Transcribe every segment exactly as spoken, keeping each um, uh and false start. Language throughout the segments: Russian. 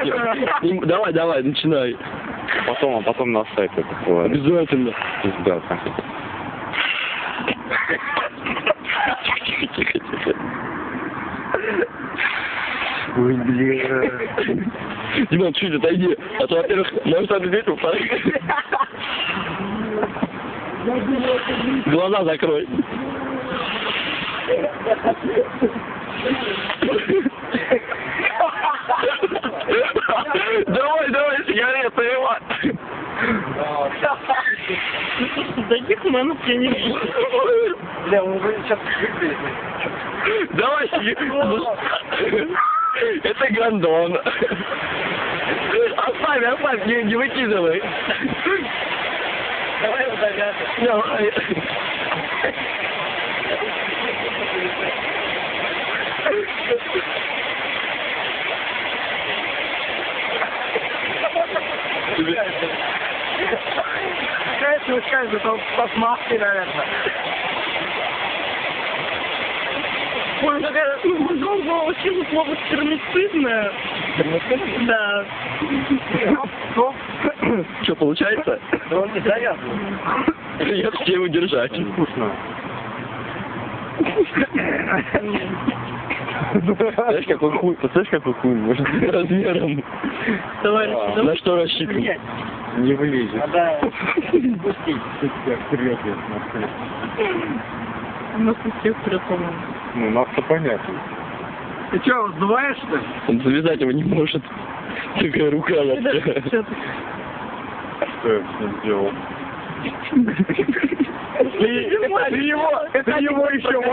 Не- Давай, давай, начинай. Потом, а потом на сайт это было. Обязательно. Пиздата. Тихо, тихо, тихо. Ой, бля. Диман, чуть отойди. А то, во-первых, может ответить, во-вторых. Глаза закрой. Давай, давай, сигареты, Иван. Таких манов я не вижу. Бля, он уже сейчас выглядит. Давай, сигареты. Это гондон. Оставь, оставь, не, не выкидывай. Давай удавятся. Давай. Кажется, вы скажете, что под маской, наверное. Ой, такая, ну, было очень слово стермицидное. Да. Что? Что, получается? Да он не завязывает. Я все удержать. Вкусно. Знаешь, какой хуй, представляешь, какой хуй может быть размером? Товарищи, На давай. что рассчитан? Не влезет. Надо Пустить. Вперед, у нас у всех вперед, по-моему. ну, нас-то понятно. Ты что, сдуваешь, что ли? Он завязать его не может. Такая рука на Что ты? Что я с ним сделал? Ты его, это его еще вот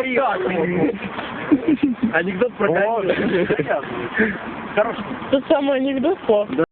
так. Анекдот про Вот. Хороший. Тот самый анекдот, Слав?